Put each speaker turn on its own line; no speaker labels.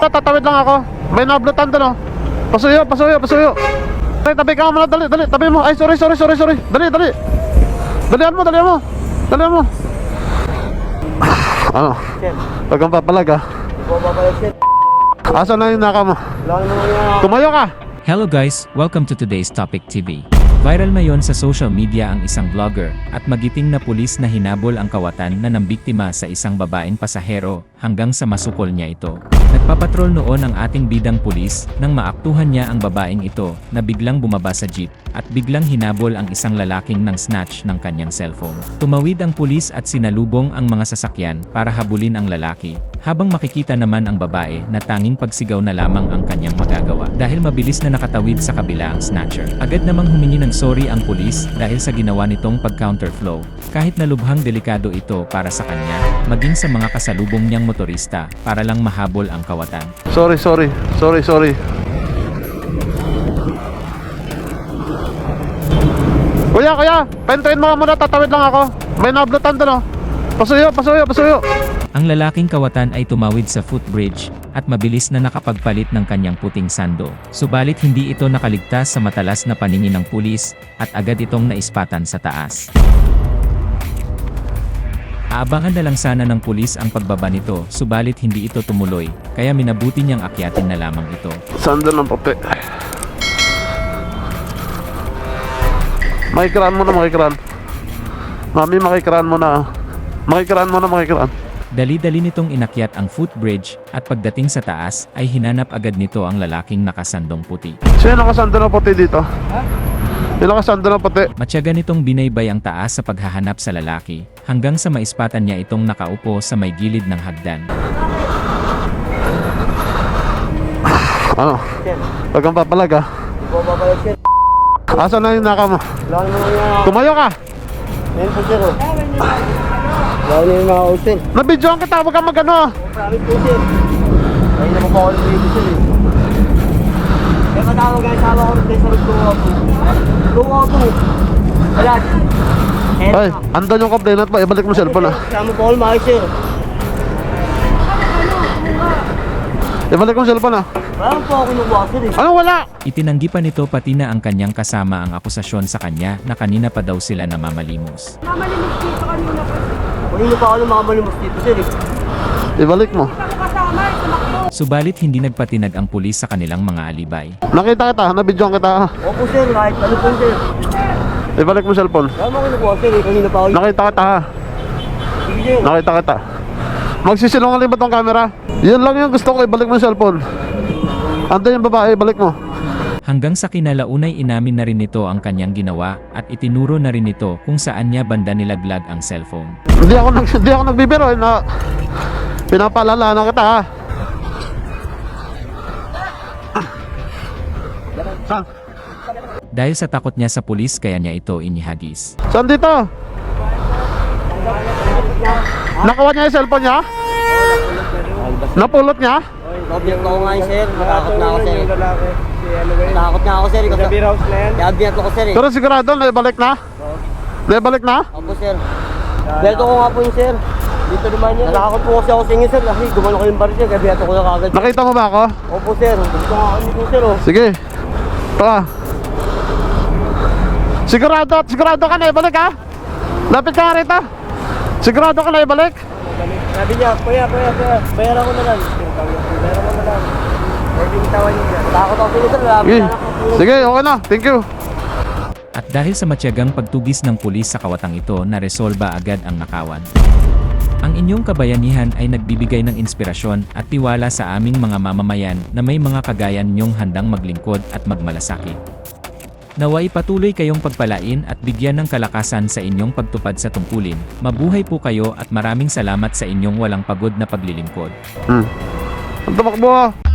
Tatawid lang ako. May nablutan doon, oh. Pasuyo, pasuyo, pasuyo. Ay, tabi ka muna, dali, dali, tabi mo. Ay, sorry. Dali, dali. Dalihan mo. Dalihan mo. Ano? Huwag kang papalag, ha? Asa na yung naka mo? Tumayo ka!
Hello guys, welcome to today's Topic TV. Viral ngayon sa social media ang isang vlogger at magiting na pulis na hinabol ang kawatan na nambiktima sa isang babaeng pasahero hanggang sa masukol niya ito. Nagpapatrol noon ang ating bidang pulis nang maaktuhan niya ang babaeng ito na biglang bumaba sa jeep at biglang hinabol ang isang lalaking nang snatch ng kanyang cellphone. Tumawid ang pulis at sinalubong ang mga sasakyan para habulin ang lalaki, habang makikita naman ang babae na tanging pagsigaw na lamang ang kanyang magagawa dahil mabilis na nakatawid sa kabila ang snatcher. Agad namang humingi ng sorry ang pulis dahil sa ginawa nitong pag-counterflow, kahit na lubhang delikado ito para sa kanya, maging sa mga kasalubong niyang motorista para lang mahabol ang kawatan.
Sorry. Kuya, pentuin mo muna, tatawid lang ako. May nablutan doon, oh. Pasuyo.
Ang lalaking kawatan ay tumawid sa footbridge at mabilis na nakapagpalit ng kanyang puting sando. Subalit hindi ito nakaligtas sa matalas na paningin ng pulis at agad itong naispatan sa taas. Aabangan na lang sana ng pulis ang pagbaba nito, subalit hindi ito tumuloy, kaya minabuti niyang akyatin na lamang ito.
Sando ng pape. Makikiraan mo na. Mami, makikiraan mo na.
Dali-dali nitong inakyat ang footbridge at pagdating sa taas ay hinanap agad nito ang lalaking nakasandong puti.
Sino nakasando ng puti dito? Ha? Sino nakasando ng puti?
Matyaga nitong binaybay ang taas sa paghahanap sa lalaki, hanggang sa maispatan niya itong nakaupo sa may gilid ng hagdan.
Ano? Huwag kang papalag, ha? Asa na yung naka mo? Tumayo ka!
Ngayon po sir, oh. Lalo na yung mga hotel.
Nabidyoan kita, huwag kang magano.
Promise po sir. Ayun naman po ako ng video sir, eh. Kaya matawag ang sama ko rin sa lugaw po. Lugaw po. Wala.
Ay, andan yung complainant mo, ibalik mo cellphone, ha?
Sama po ako lumaki sir.
Ibalik mo cellphone, ha?
Wala po ako kinukuha sir, eh.
Ano wala?
Itinanggi pa nito pati na ang kanyang kasama ang akusasyon sa kanya na kanina pa daw sila namamalimos.
Mamalimos dito kanina pa.
Kanino pa ako lumakabalimos dito sir, eh.
Ibalik mo.
Kita ko kasama, tumakbo.
Subalit hindi nagpatinag ang pulis sa kanilang mga alibay.
Nakita kita, nabidyoan kita, ha?
Opo sir, kahit ano po sir.
Ibalik mo cellphone.
Wala mo kinukuha sir, eh. Kanina pa ako.
Nakita kita, ha?
Sige sir.
Nakita kita. Magsisilungan ba tong camera? Yan lang yung gusto ko, ibalik mo yung cellphone. Andan yung babae, balik mo.
Hanggang sa kinalaunay inamin na rin nito ang kanyang ginawa at itinuro na rin nito kung saan niya banda nilaglag ang cellphone.
Hindi ako nagbibiro, na pinapaalala na kita, ha? Saan?
Dahil sa takot niya sa pulis kaya niya ito inihagis.
Saan dito? Nakuha niya yung cellphone niya? Napulot niya?
Object ko nga yun sir, natakot na ako sir, eh. Natakot na ako sir, eh. Kaya object ko sir, eh.
Pero sigurado, naibalik na? Naibalik na?
Opo sir. Beto ko nga po yun sir. Dito naman yun. Natakot po kasi ako sa inyo sir. Kasi gumano ko yung bar sir. Kaya beto ko na kagad.
Nakita mo ba ako?
Opo sir. Gusto nga kami po sir, oh.
Sige. Ito ka. Sigurado ka na ibalik, ha? Lapit ka nga rito. Sigurado ka na ibalik?
Sabi niya, kuya. Bayaran ko na lang. Pwede itawan niya. Natakot ako sa inyo sir.
Sige. Sige, okay na. Thank you.
At dahil sa matyagang pagtugis ng pulis sa kawatang ito, naresolba agad ang nakawan. Ang inyong kabayanihan ay nagbibigay ng inspirasyon at tiwala sa aming mga mamamayan na may mga kagaya ninyong handang maglingkod at magmalasakit. Naway patuloy kayong pagpalain at bigyan ng kalakasan sa inyong pagtupad sa tungkulin. Mabuhay po kayo at maraming salamat sa inyong walang pagod na paglilingkod.
Ang tumakbo, ha?